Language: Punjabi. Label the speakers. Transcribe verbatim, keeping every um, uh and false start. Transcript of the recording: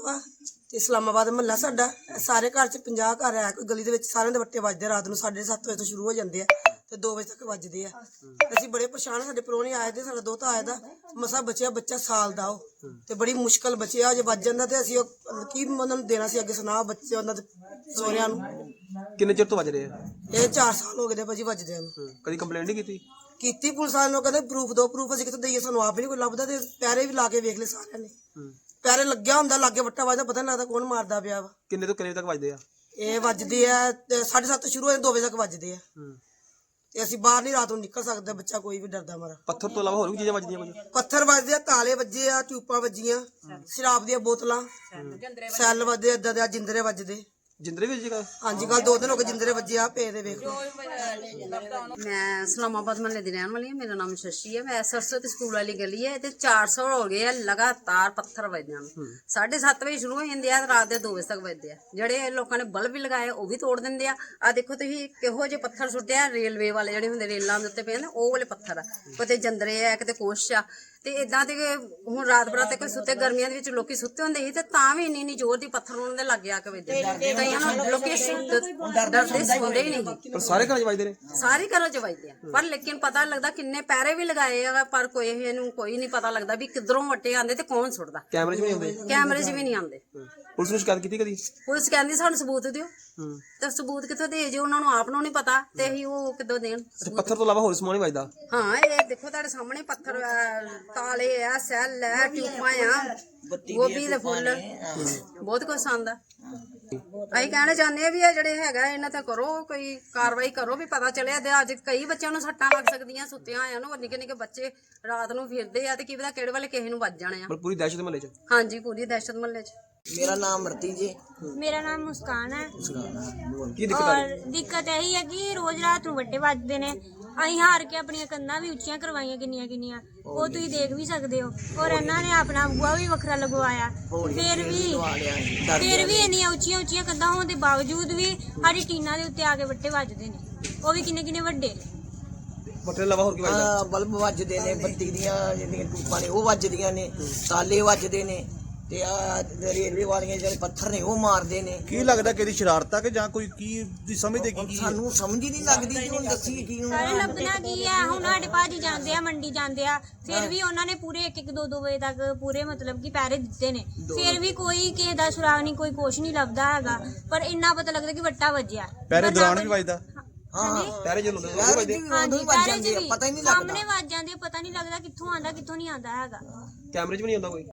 Speaker 1: ਵਾ ਤੇ ਇਸਲਾਮਾਬਾਦ ਮਹੱਲਾ ਸਾਡਾ ਸਾਰੇ ਘਰ ਚ ਪੰਜਾਹ ਘਰ ਹੈ। ਕੋਈ ਗਲੀ ਦੇ ਵਿੱਚ ਸਾਰਿਆਂ ਦੇ ਵੱਟੇ ਵੱਜਦੇ ਰਾਤ ਨੂੰ ਸਾਢੇ ਸੱਤ ਵਜੇ ਤੋਂ ਸ਼ੁਰੂ ਹੋ ਜਾਂਦੇ ਆ ਤੇ ਦੋ ਵਜੇ ਤੱਕ ਵੱਜਦੇ ਆ। ਅਸੀਂ ਬੜੇ ਪਰੇਸ਼ਾਨ, ਸਾਡੇ ਪ੍ਰਾਹੁਣੇ ਆਏ ਦੇ, ਸਾਡਾ ਦੋਤਾ ਆਇਆ ਦਾ ਮਸਾ ਬਚਿਆ ਬੱਚਾ ਸਾਲ ਦਾ ਉਹ ਤੇ ਬੜੀ ਮੁਸ਼ਕਲ ਬਚਿਆ। ਜੇ ਵੱਜ ਜਾਂਦਾ ਤੇ ਅਸੀਂ ਉਹ ਕੀ ਉਹਨਾਂ ਨੂੰ ਦੇਣਾ ਸੀ ਅੱਗੇ ਸੁਣਾ ਬੱਚੇ ਉਹਨਾਂ ਦੇ ਸਹੁਰਿਆਂ ਨੂੰ।
Speaker 2: ਕਿੰਨੇ ਚਿਰ ਤੋਂ ਵੱਜ ਰਹੇ ਆ
Speaker 1: ਇਹ ਚਾਰ ਸਾਲ ਹੋ ਗਏ ਦੇ ਭਾਜੀ ਵੱਜਦੇ ਨੂੰ।
Speaker 2: ਕਦੀ ਕੰਪਲੇਂਟ ਨਹੀਂ ਕੀਤੀ?
Speaker 1: ਕੀਤੀ ਪੁਲਿਸ ਵਾਲਿਆਂ ਨੂੰ, ਕਹਿੰਦੇ ਪ੍ਰੂਫ ਦੋ ਪ੍ਰੂਫ ਅਸੀਂ ਕਿੱਥੋਂ ਦਈਏ, ਸਾਨੂੰ ਆਪ ਹੀ ਨਹੀਂ ਕੋਈ ਲੱਭਦਾ। ਤੇ ਪੈਰੇ ਵੀ ਲਾ ਕੇ ਵੇਖ ਲਏ ਸਾਰਿਆਂ ਨੇ, ਪੈਰੇ ਲੱਗਿਆ ਹੁੰਦਾ ਲਾਗੇ ਵੱਟਾ ਵੱਜਦਾ ਪਤਾ ਨਹੀਂ ਲੱਗਦਾ ਕੌਣ ਮਾਰਦਾ ਪਿਆ ਵਾ।
Speaker 2: ਕਿੰਨੇ ਤੋਂ ਕਿੰਨੇ ਤੱਕ ਵੱਜਦੇ ਆ?
Speaker 1: ਇਹ ਵੱਜਦੇ ਆ ਸਾਢੇ ਸੱਤ ਸ਼ੁਰੂ ਹੋਏ ਦੋ ਵਜੇ ਤੱਕ ਵੱਜਦੇ ਆ ਤੇ ਅਸੀਂ ਬਾਹਰ ਨਹੀਂ ਰਾਤ ਨੂੰ ਨਿਕਲ ਸਕਦੇ, ਬੱਚਾ ਕੋਈ ਵੀ ਡਰਦਾ ਮਾਰਾ।
Speaker 2: ਪੱਥਰ ਤੋਂ ਇਲਾਵਾ ਹੋਰ ਵੀ ਚੀਜ਼ਾਂ ਵੱਜਦੀਆਂ ਕੁਝ?
Speaker 1: ਪੱਥਰ ਵੱਜਦੇ ਆ, ਤਾਲੇ ਵੱਜੇ ਆ, ਟਿਊਪਾਂ ਵੱਜੀਆਂ, ਸ਼ਰਾਬ ਦੀਆਂ ਬੋਤਲਾਂ, ਸੈੱਲ ਵੱਜਦੇ ਏਦਾਂ ਦੇ, ਜਿੰਦਰੇ ਵੱਜਦੇ।
Speaker 2: ਜਿੰਦਰੇ ਵੀ ਜਗ੍ਹਾ?
Speaker 1: ਹਾਂਜੀ ਕੱਲ ਦੋ ਦਿਨ ਹੋ ਗਏ ਜਿੰਦਰੇ ਵੱਜੇ ਆ ਪਏ ਦੇ ਵੇਖ ਲਓ।
Speaker 3: ਮੈਂ ਇਸਲਾਮਾਬਾਦ ਮਹੱਲੇ ਦੀ ਰਹਿਣ ਵਾਲੀ ਹਾਂ। ਮੇਰਾ ਨਾਮ ਸ਼ਸ਼ੀ ਹੈ। ਮੈਂ ਸਰਸਵਤੀ ਸਕੂਲ ਵਾਲੀ ਗਲੀ ਹੈ ਤੇ ਚਾਰ ਸੌ ਹੋ ਗਏ ਆ ਲਗਾਤਾਰ ਪੱਥਰ ਵੱਜਦੇ ਹਨ। ਸਾਢੇ ਸੱਤ ਵਜੇ ਸ਼ੁਰੂ ਹੋ ਜਾਂਦੇ ਆ, ਰਾਤ ਦੇ ਦੋ ਵਜੇ ਤੱਕ ਵੱਜਦੇ ਆ। ਜਿਹੜੇ ਲੋਕਾਂ ਨੇ ਬਲਬ ਵੀ ਲਗਾਏ ਉਹ ਵੀ ਤੋੜ ਦਿੰਦੇ ਆ। ਆ ਦੇਖੋ ਤੁਸੀਂ ਕਿਹੋ ਜਿਹੇ ਪੱਥਰ ਸੁੱਟੇ ਆ, ਰੇਲਵੇ ਵਾਲੇ ਜਿਹੜੇ ਹੁੰਦੇ ਰੇਲਾਂ ਦੇ ਉੱਤੇ ਪਏ ਨੇ ਉਹ ਵਾਲੇ ਪੱਥਰ ਆ। ਕਿਤੇ ਜੰਦਰੇ ਆ, ਕਿਤੇ ਕੁਛ ਆ। ਤੇ ਇਦਾਂ ਤੇ ਹੁਣ ਰਾਤ ਬਰਾਤ ਤੇ ਕੋਈ ਸੁੱਤੇ, ਗਰਮੀਆਂ ਦੇ ਵਿੱਚ ਲੋਕੀ ਸੁੱਤੇ ਹੁੰਦੇ ਸੀ ਤੇ ਤਾਂ ਵੀ ਇੰਨੀ ਇੰਨੀ ਜ਼ੋਰ ਦੀ ਪੱਥਰ ਉਹਨਾਂ ਦੇ ਲੱਗ ਆ ਕੇ ਵੱਜਦੇ। ਕਈਆਂ ਨੂੰ ਲੋਕੀ ਡਰਦੇ ਸੌਂਦੇ ਹੀ ਨਹੀਂ।
Speaker 2: ਪਰ ਸਾਰੇ ਘਰਾਂ 'ਚ ਵੱਜਦੇ ਨੇ?
Speaker 3: ਸਾਰੇ ਘਰਾਂ 'ਚ ਵੱਜਦੇ ਆ, ਪਰ ਲੇਕਿਨ ਪਤਾ ਲੱਗਦਾ ਕਿੰਨੇ ਪੈਰੇ ਵੀ ਲਗਾਏ ਆ, ਪਰ ਕੋਈ ਇਹਨੂੰ ਕੋਈ ਨਹੀਂ ਪਤਾ ਲੱਗਦਾ ਵੀ ਕਿੱਧਰੋਂ ਵੱਟੇ ਆਉਂਦੇ ਤੇ ਕੌਣ ਸੁੱਟਦਾ।
Speaker 2: ਕੈਮਰੇ 'ਚ ਵੀ ਆਉਂਦੇ?
Speaker 3: ਕੈਮਰੇ 'ਚ ਵੀ ਨਹੀਂ ਆਉਂਦੇ।
Speaker 2: ਪੁਲਿਸ ਨੂੰ ਸ਼ਿਕਾਇਤ ਕੀਤੀ ਕਦੀ?
Speaker 3: ਪੁਲਿਸ ਕਹਿੰਦੀ ਸਾਨੂੰ ਸਬੂਤ ਦਿਓ, ਤੇ ਸਬੂਤ ਕਿੱਥੋਂ ਦੇ ਜੇ ਉਹਨਾਂ ਨੂੰ ਆਪ ਨੂੰ ਨਹੀਂ ਪਤਾ ਤੇ ਅਸੀਂ ਉਹ ਕਿੱਦੋਂ ਦੇਣ।
Speaker 2: ਪੱਥਰ ਤੋਂ ਇਲਾਵਾ ਹੋਰ ਸਮਾਨ ਨਹੀਂ ਵੱਜਦਾ?
Speaker 3: ਹਾਂ ਇਹ ਦੇਖੋ ਤੁਹਾਡੇ ਸਾਹਮਣੇ ਪੱਥਰ ਆ, ਤਾਲੇ ਆ, ਸੈੱਲ ਆ, ਟਿਊਪਾਂ ਆ, ਗੋਭੀ ਦੇ ਫੁੱਲ, ਬਹੁਤ ਕੁਛ ਆਉਂਦਾ। ਅਸੀਂ ਕਹਿਣਾ ਚਾਹੁੰਦੇ ਆ ਵੀ ਇਹ ਜਿਹੜੇ ਹੈਗਾ ਇਹਨਾਂ ਤੇ ਕਰੋ, ਕੋਈ ਕਾਰਵਾਈ ਕਰੋ ਵੀ ਪਤਾ ਚੱਲਿਆ। ਤੇ ਅੱਜ ਕਈ ਬੱਚਿਆਂ ਨੂੰ ਸੱਟਾਂ ਲੱਗ ਸਕਦੀਆਂ ਸੁੱਤਿਆਂ ਆਇਆਂ ਨੂੰ। ਨਿੱਕੇ ਨਿੱਕੇ ਬੱਚੇ ਰਾਤ ਨੂੰ ਫਿਰਦੇ ਆ ਤੇ ਕੀ ਪਤਾ ਕਿਹੜੇ ਵੇਲੇ ਕਿਸੇ ਨੂੰ ਵੱਜ ਜਾਣੇ ਆ।
Speaker 2: ਪੂਰੀ ਦਹਿਸ਼ਤ ਮਹੱਲੇ 'ਚ?
Speaker 3: ਹਾਂਜੀ ਪੂਰੀ ਦਹਿਸ਼ਤ ਮਹੱਲੇ 'ਚ।
Speaker 4: मेरा नाम मरती जी।
Speaker 5: मेरा नाम मुस्कान है।
Speaker 2: ਕੀ ਦਿੱਕਤ ਆ ਰਹੀ?
Speaker 5: और दिक्कत यही है कि रोज रात ਨੂੰ ਵੱਟੇ ਵੱਜਦੇ ਨੇ। ਅਸੀਂ ਹਾਰ ਕੇ ਆਪਣੀਆਂ ਕੰਧਾਂ ਵੀ ਉੱਚੀਆਂ ਕਰਵਾਈਆਂ ਕਿੰਨੀਆਂ ਕਿੰਨੀਆਂ, ਉਹ ਤੁਸੀਂ ਦੇਖ ਵੀ ਸਕਦੇ ਹੋ। ਔਰ ਇਹਨਾਂ ਨੇ ਆਪਣਾ ਬੂਹਾ ਵੀ ਵੱਖਰਾ ਲਗਵਾਇਆ, ਫਿਰ ਵੀ ਫਿਰ ਵੀ ਇੰਨੀਆਂ ਉੱਚੀਆਂ ਉੱਚੀਆਂ ਕੰਧਾਂ ਹੋਣ ਦੇ ਬਾਵਜੂਦ ਵੀ ਸਾਡੀ ਟੀਨਾਂ ਦੇ ਉੱਤੇ ਆ ਕੇ ਵੱਟੇ ਵੱਜਦੇ ਨੇ, ਉਹ ਵੀ ਕਿੰਨੇ ਕਿੰਨੇ ਵੱਡੇ।
Speaker 2: ਪੱਥਰ ਤੋਂ ਇਲਾਵਾ ਹੋਰ ਕੀ ਵੱਜਦਾ?
Speaker 4: हाँ, बल्ब ਵੱਜਦੇ ਨੇ, ਬੱਤੀ ਦੀਆਂ ਜਿਹੜੀਆਂ ਟੂਪਾਂ ਨੇ ਉਹ ਵੱਜਦੀਆਂ ਨੇ, ਤਾਲੇ ਵੱਜਦੇ ਨੇ ਤੇ ਆ ਰੇਲਵੇ ਵਾਲੀਆਂ ਜਿਹੜੇ ਪੱਥਰ ਨੇ ਉਹ ਮਾਰਦੇ ਨੇ।
Speaker 6: ਕੀ ਲੱਗਦਾ ਕਿ ਇਹਦੀ ਸ਼ਰਾਰਤ ਆ ਕਿ ਜਾਂ ਕੋਈ ਕੀ ਦੀ ਸਮਝਦੇ ਕੀ ਕੀ?
Speaker 4: ਸਾਨੂੰ ਸਮਝ ਹੀ ਨਹੀਂ ਲੱਗਦੀ ਕਿ ਹੁਣ ਦੱਸੀ ਕੀ ਨੂੰ।
Speaker 5: ਸਾਰੇ ਲੱਭਣਾ ਕੀ ਹੈ। ਹੁਣ ਸਾਡੇ ਭਾਜੀ ਜਾਂਦੇ ਆ ਮੰਡੀ ਜਾਂਦੇ ਆ, ਫਿਰ ਵੀ ਉਹਨਾਂ ਨੇ ਪੂਰੇ ਇੱਕ ਇੱਕ ਦੋ ਦੋ ਵਜੇ ਤੱਕ ਪੂਰੇ ਮਤਲਬ ਕਿ ਪੈਰੇ ਦਿੱਤੇ ਨੇ, ਫਿਰ ਵੀ ਕੋਈ ਕਿਸੇ ਦਾ ਸੁਰਾਗ ਨਹੀਂ, ਕੋਈ ਕੁਛ ਨਹੀਂ ਲੱਭਦਾ ਹੈਗਾ। ਪਰ ਇੰਨਾ ਪਤਾ ਲੱਗਦਾ ਕਿ ਵੱਟਾ ਵੱਜਿਆ।
Speaker 6: ਪੈਰੇ ਦੌਰਾਨ ਵੀ ਵੱਜਦਾ?
Speaker 4: ਹਾਂ
Speaker 2: ਪੈਰੇ ਜਦੋਂ ਹੁੰਦੇ
Speaker 4: ਪੈਰੇ
Speaker 2: ਵੱਜਦੇ?
Speaker 4: ਵੀ
Speaker 5: ਹਾਂਜੀ
Speaker 4: ਉਦੋਂ ਵੱਜ
Speaker 5: ਪੈਰੇ
Speaker 4: ਜਾਂਦੇ
Speaker 5: ਚ
Speaker 4: ਆ,
Speaker 5: ਵੀ
Speaker 4: ਪਤਾ ਹੀ ਨਹੀਂ ਲੱਗਦਾ।
Speaker 5: ਸਾਹਮਣੇ ਵੱਜ ਜਾਂਦੇ, ਪਤਾ ਨਹੀਂ ਲੱਗਦਾ ਕਿੱਥੋਂ ਆਂਦਾ ਕਿੱਥੋਂ ਨਹੀਂ ਆਂਦਾ ਹੈਗਾ।
Speaker 2: ਕੈਮਰੇ 'ਚ ਵੀ ਨਹੀਂ ਆਉਂਦਾ ਕੋਈ?